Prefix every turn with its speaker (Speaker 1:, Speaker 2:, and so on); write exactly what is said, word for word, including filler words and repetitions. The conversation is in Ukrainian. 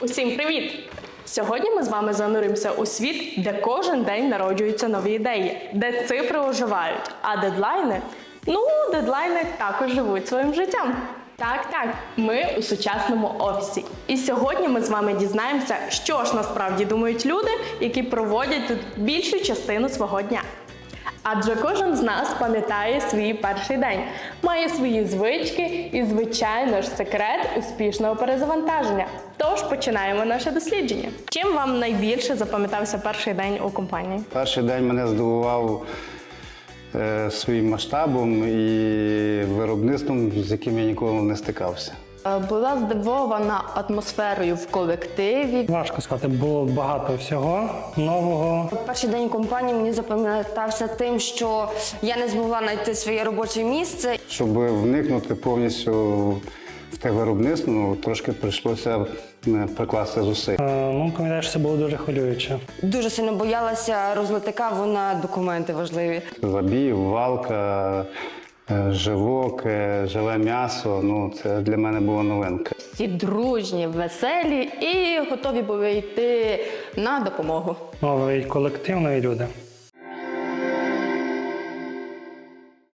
Speaker 1: Усім привіт! Сьогодні ми з вами зануримося у світ, де кожен день народжуються нові ідеї, де цифри оживають, а дедлайни, ну, дедлайни також живуть своїм життям. Так, так, ми у сучасному офісі. І сьогодні ми з вами дізнаємося, що ж насправді думають люди, які проводять тут більшу частину свого дня. Адже кожен з нас пам'ятає свій перший день, має свої звички і, звичайно ж, секрет успішного перезавантаження. Тож починаємо наше дослідження. Чим вам найбільше запам'ятався перший день у компанії?
Speaker 2: Перший день мене здивував е, своїм масштабом і виробництвом, з яким я ніколи не стикався.
Speaker 3: Була здивована атмосферою в колективі.
Speaker 4: Важко сказати, було багато всього нового.
Speaker 3: Перший день компанії мені запам'ятався тим, що я не змогла знайти своє робоче місце.
Speaker 2: Щоб вникнути повністю в те виробництво, ну, трошки прийшлося е, прикласти зусиль.
Speaker 4: Е, Ну, пам'ятаєш, це було дуже хвилююче.
Speaker 3: Дуже сильно боялася розлити каву на документи важливі.
Speaker 2: Забій, валка, е, живок, е, живе м'ясо, ну, це для мене була новинка.
Speaker 3: Всі дружні, веселі і готові були йти на допомогу.
Speaker 4: Новий колектив, нові люди.